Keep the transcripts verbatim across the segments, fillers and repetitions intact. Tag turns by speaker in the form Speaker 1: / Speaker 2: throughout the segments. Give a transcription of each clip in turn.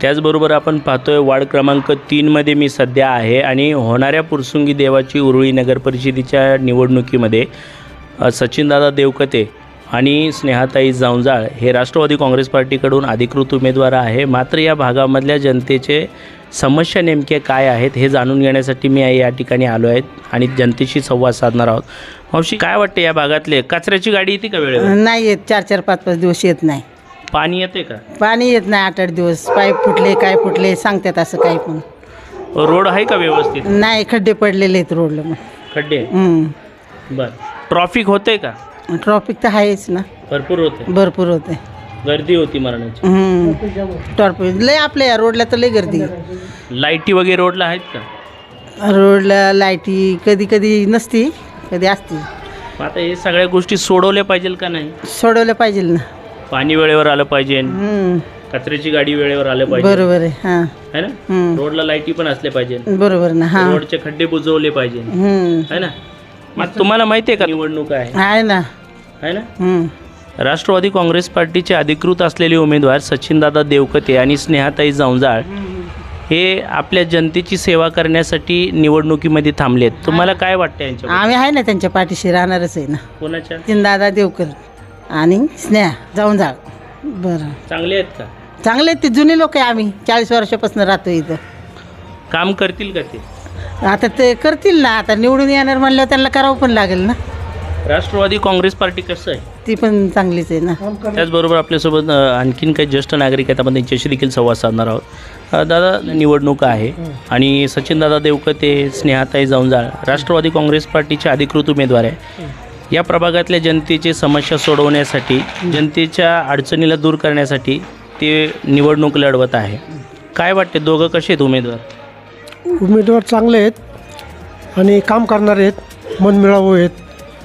Speaker 1: त्याचबरोबर आपण पाहतोय वार्ड क्रमांक तीनमध्ये मी सध्या आहे आणि होणाऱ्या पुरसुंगी देवाची उरुळी नगर परिषदेच्या निवडणुकीमध्ये अ, सचिनदादा देवकते आणि स्नेहाताई जावंजाळ हे राष्ट्रवादी काँग्रेस पार्टीकडून अधिकृत उमेदवार आहे. मात्र या भागामधल्या जनतेचे समस्या नेमके काय आहेत हे जाणून घेण्यासाठी मी या ठिकाणी आलो आहे आणि जनतेशी संवाद साधणार आहोत. मावशी, काय वाटते या भागातले कचऱ्याची गाडी येते का वेळेवर?
Speaker 2: नाही येत, चार चार पाच पाच दिवस येत नाही.
Speaker 1: पाणी येते का?
Speaker 2: पाणी येत नाही, आठ आठ दिवस. पाईप फुटले, काय फुटले सांगतात असं काही पण
Speaker 1: रोड आहे का व्यवस्थित?
Speaker 2: नाही, खड्डे पडलेले आहेत रोडला. मग
Speaker 1: खड्डे?
Speaker 2: हम्म.
Speaker 1: बर. ट्रॉफिक होते का?
Speaker 2: ट्रॉफिक तर आहेच ना,
Speaker 1: भरपूर होते.
Speaker 2: भरपूर होते.
Speaker 1: गर्दी होती मरणाची.
Speaker 2: हम्म. ट्रॉफिक लय आपल्या या रोडला तर लय गर्दी.
Speaker 1: लाईटी वगैरे रोडला आहेत का?
Speaker 2: रोडला लाईटी कधी कधी नसती, कधी असती.
Speaker 1: आता हे सगळ्या गोष्टी सोडवल्या पाहिजे का नाही?
Speaker 2: सोडवलं पाहिजे ना.
Speaker 1: पाणी वेळेवर आलं पाहिजे,
Speaker 2: हम्म.
Speaker 1: कचऱ्याची गाडी वेळेवर आलं पाहिजे,
Speaker 2: बरोबर आहे. हां,
Speaker 1: है ना?
Speaker 2: हम्म.
Speaker 1: रोडला लाईटी पण असल्या पाहिजे,
Speaker 2: बरोबर ना. हां,
Speaker 1: रोडचे खड्डे बुजवले पाहिजे,
Speaker 2: हम्म.
Speaker 1: है ना? मग तुम्हाला माहिती आहे का निवडणूक आहे,
Speaker 2: आहे ना.
Speaker 1: है ना?
Speaker 2: हम्म.
Speaker 1: राष्ट्रवादी काँग्रेस पार्टीचे अधिकृत असलेले उमेदवार सचिनदादा देवकते आणि स्नेहाताई जावंजाळ हे आपल्या जनतेची सेवा करण्यासाठी निवडणुकीमध्ये थांबलेत. तुम्हाला काय वाटतं यांच्या?
Speaker 2: आम्ही आहे ना, त्यांच्या पाठीशी राहणारच आहे ना.
Speaker 1: कोणाच्या?
Speaker 2: दादा देवकर आणि स्नेहा जाऊन जा. बरं,
Speaker 1: चांगले आहेत का?
Speaker 2: चांगले आहेत. ते जुने लोक आहे. आम्ही चाळीस वर्षापासून राहतो इथं.
Speaker 1: काम करतील का ते?
Speaker 2: आता ते करतील ना. आता निवडून येणार म्हणल्यावर त्यांना करावं पण लागेल ना.
Speaker 1: राष्ट्रवादी काँग्रेस पार्टी कसं आहे?
Speaker 2: ती पण चांगलीच आहे ना.
Speaker 1: त्याचबरोबर आपल्यासोबत अ, आणखीन काही ज्येष्ठ नागरिक आहेत. आपण त्यांच्याशी देखील संवाद साधणार आहोत. अ, दादा, निवडणूक आहे आणि सचिनदादा देवकते, स्नेहाताई जावंजाळ राष्ट्रवादी काँग्रेस पार्टीचे अधिकृत उमेदवार आहे. या प्रभागातल्या जनतेची समस्या सोडवण्यासाठी, जनतेच्या अडचणीला दूर करण्यासाठी ते निवडणूक लढवत आहे. काय वाटते, दोघं कसे आहेत उमेदवार?
Speaker 3: उमेदवार चांगले आहेत आणि काम करणारे आहेत, मनमिळावू आहेत,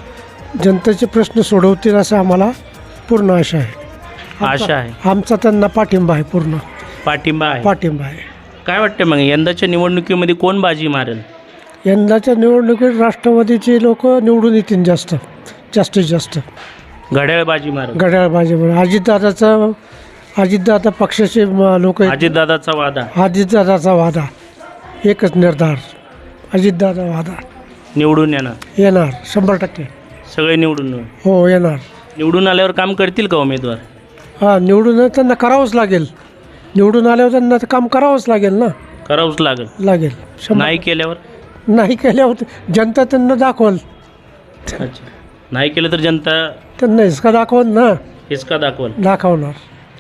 Speaker 3: जनतेचे प्रश्न सोडवतील असं आम्हाला पूर्ण आशा आहे.
Speaker 1: आशा आहे.
Speaker 3: आमचा त्यांना पाठिंबा आहे, पूर्ण
Speaker 1: पाठिंबा आहे.
Speaker 3: पाठिंबा आहे.
Speaker 1: काय वाटते मग यंदाच्या निवडणुकीमध्ये कोण बाजी मारेल?
Speaker 3: यंदाच्या निवडणुकीत राष्ट्रवादीचे लोक निवडून येतील, जास्त जास्तीत जास्त
Speaker 1: घड्याळ बाजी मारेल.
Speaker 3: घड्याळ भाजप. अजितदादाचा अजितदादा पक्षाचे लोक,
Speaker 1: अजितदादाचा वादा.
Speaker 3: अजितदादाचा वादा एकच निर्धार, अजितदादा वादा
Speaker 1: निवडून येणार.
Speaker 3: येणार शंभर टक्के.
Speaker 1: सगळे निवडून
Speaker 3: हो, येणार.
Speaker 1: निवडून आल्यावर काम करतील का उमेदवार?
Speaker 3: हां, निवडून त्यांना करावंच लागेल. निवडून आल्यावर त्यांना तर काम करावंच लागेल ना.
Speaker 1: करावंच लागेल.
Speaker 3: लागेल. शंभर-
Speaker 1: नाही केल्यावर?
Speaker 3: नाही केल्यावर जनता त्यांना दाखवल.
Speaker 1: अच्छा, नाही केलं तर जनता
Speaker 3: त्यांना हिसका दाखवल ना.
Speaker 1: हिसका दाखवल.
Speaker 3: दाखवणार.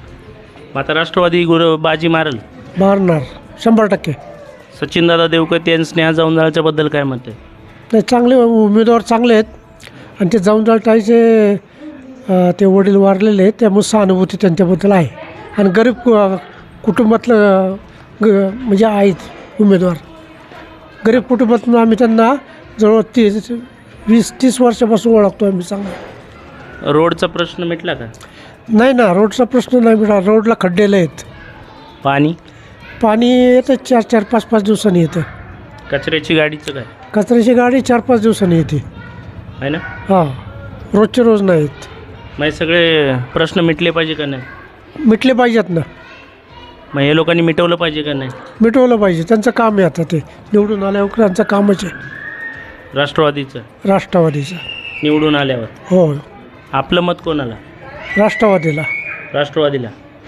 Speaker 1: आता राष्ट्रवादी गुरु बाजी मारल.
Speaker 3: मारणार शंभर टक्के.
Speaker 1: सचिनदादा देवकते आणि स्नेहा जावंजाळच्या बद्दल काय मत आहे?
Speaker 3: नाही, चांगले उमेदवार चांगले आहेत आणि ते जाऊनजाळताईचे ते वडील वारलेले आहेत, त्यामुळे सहानुभूती त्यांच्याबद्दल आहे. आणि गरीब कु- कुटुंबातलं ग म्हणजे आहेत उमेदवार. गरीब कुटुंबातून आम्ही त्यांना जवळ तीस वीस तीस वर्षापासून ओळखतो आम्ही चांगलं.
Speaker 1: रोडचा प्रश्न मिटला का?
Speaker 3: नाही ना, रोडचा प्रश्न नाही मिळाला. रोडला खड्डेले आहेत.
Speaker 1: पाणी?
Speaker 3: पाणी येतं चार चार पाच पाच दिवसांनी येतं.
Speaker 1: कचऱ्याची गाडीचं काय?
Speaker 3: कचऱ्याची गाडी चार पाच दिवसांनी येते.
Speaker 1: आहे ना?
Speaker 3: हां, रोजचे रोज नाहीत.
Speaker 1: मग सगळे प्रश्न मिटले पाहिजे का नाही?
Speaker 3: मिटले पाहिजेत ना.
Speaker 1: मग हे लोकांनी मिटवलं पाहिजे का नाही?
Speaker 3: मिटवलं पाहिजे. त्यांचं काम आहे. आता ते निवडून आल्यावर त्यांचं कामच आहे.
Speaker 1: राष्ट्रवादीचं
Speaker 3: राष्ट्रवादीचं
Speaker 1: निवडून आल्यावर
Speaker 3: हो.
Speaker 1: आपलं मत कोणाला?
Speaker 3: राष्ट्रवादीला.
Speaker 1: राष्ट्रवादीला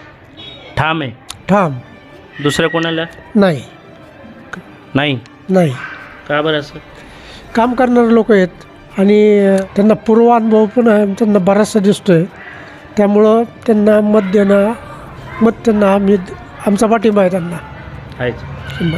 Speaker 1: ठाम आहे.
Speaker 3: ठाम.
Speaker 1: दुसऱ्या कोणाला
Speaker 3: नाही.
Speaker 1: नाही?
Speaker 3: नाही.
Speaker 1: का बरं असं?
Speaker 3: काम करणारे लोक आहेत आणि त्यांना पूर्वानुभव पण आहे, त्यांना बराचसा दिसतो आहे. त्यामुळं त्यांना मत देणं, मत त्यांना आम्ही आमचा पाठिंबा आहे त्यांना.
Speaker 1: आहेच.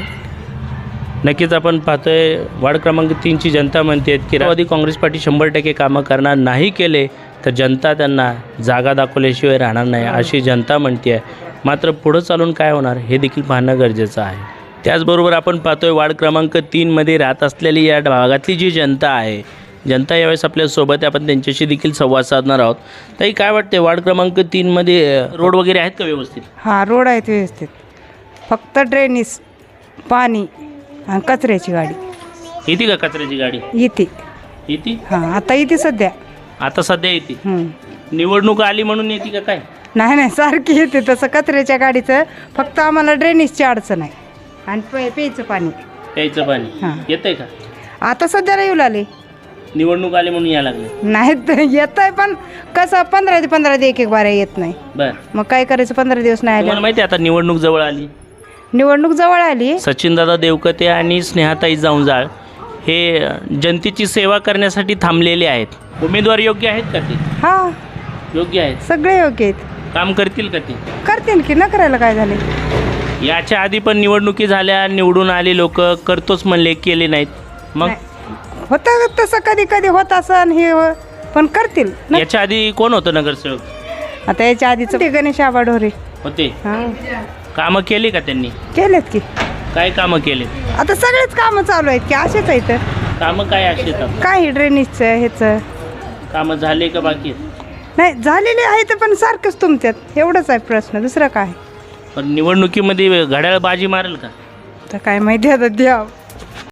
Speaker 1: नक्कीच आपण पाहतोय वार्ड क्रमांक तीनची जनता म्हणते की राष्ट्रवादी काँग्रेस पार्टी शंभर टक्के कामं करणार, नाही केले तर जनता त्यांना जागा दाखवल्याशिवाय राहणार नाही अशी जनता म्हणते आहे. मात्र पुढं चालून काय होणार हे देखील पाहणं गरजेचं आहे. त्याचबरोबर आपण पाहतोय वार्ड क्रमांक तीनमध्ये राहत असलेली या भागातली जी जनता आहे, जनता यावेळेस आपल्यासोबत आहे. आपण त्यांच्याशी देखील संवाद साधणार आहोत. ताई, काय वाटते वार्ड क्रमांक तीनमध्ये रोड वगैरे आहेत का व्यवस्थित?
Speaker 4: हां, रोड आहेत व्यवस्थित. फक्त ड्रेनेज, पाणी आणि कचऱ्याची गाडी
Speaker 1: येते का? कचऱ्याची गाडी
Speaker 4: येते.
Speaker 1: येते?
Speaker 4: हां, आता येते सध्या.
Speaker 1: आता सध्या येते.
Speaker 4: हं.
Speaker 1: निवडणूक आली म्हणून येते का काय?
Speaker 4: नाही नाही सारखी येते तसं कचऱ्याच्या गाडीचं, फक्त आम्हाला ड्रेनेजची अडचण आहे आणि पे प्यायचं पाणी.
Speaker 1: प्यायचं पाणी
Speaker 4: हां.
Speaker 1: येतंय का?
Speaker 4: आता सध्याला येऊ लागले,
Speaker 1: निवडणूक आली म्हणून यायला लागले.
Speaker 4: नाही तर येत आहे पण कसं पंधरा ते पंधरा ते एक एक बारा येत नाही.
Speaker 1: बर,
Speaker 4: मग काय करायचं, पंधरा दिवस नाही
Speaker 1: तुम्हाला
Speaker 4: आले.
Speaker 1: माहिती आहे आता निवडणूक जवळ आली.
Speaker 4: निवडणूक जवळ आली.
Speaker 1: सचिनदादा देवकते आणि स्नेहाताई जाऊंजाळ हे जनतेची सेवा करण्यासाठी थांबलेले आहेत. उमेदवार योग्य आहेत का ते?
Speaker 4: हा,
Speaker 1: योग्य आहेत.
Speaker 4: सगळे योग्य आहेत.
Speaker 1: काम करतील का ते?
Speaker 4: करतील की, न करायला काय झाले.
Speaker 1: याच्या आधी पण निवडणुकी झाल्या, निवडून आले लोक, करतोच म्हणले, केले नाहीत. मग
Speaker 4: होतं तसं कधी कधी होत असं हे हो, पण करतील न.
Speaker 1: याच्या आधी कोण होतं नगरसेवक?
Speaker 4: आता याच्या आधीच ते गणेश आबा ढोरे.
Speaker 1: होते.
Speaker 4: हां,
Speaker 1: कामं केली का त्यांनी?
Speaker 4: केलेत की.
Speaker 1: काय कामं केले?
Speaker 4: आता सगळेच कामं चालू आहेत की, असेच आहेत.
Speaker 1: कामं काय असे आहेत?
Speaker 4: काही ड्रेनेजचं ह्याचं
Speaker 1: कामं झाले का बाकी आहेत?
Speaker 4: नाही, झालेले आहेत पण सारखंच तुमच्यात, एवढंच आहे प्रश्न, दुसरं काय.
Speaker 1: पण निवडणुकीमध्ये घड्याळ बाजी मारेल का?
Speaker 4: तर काय माहिती आता द्या.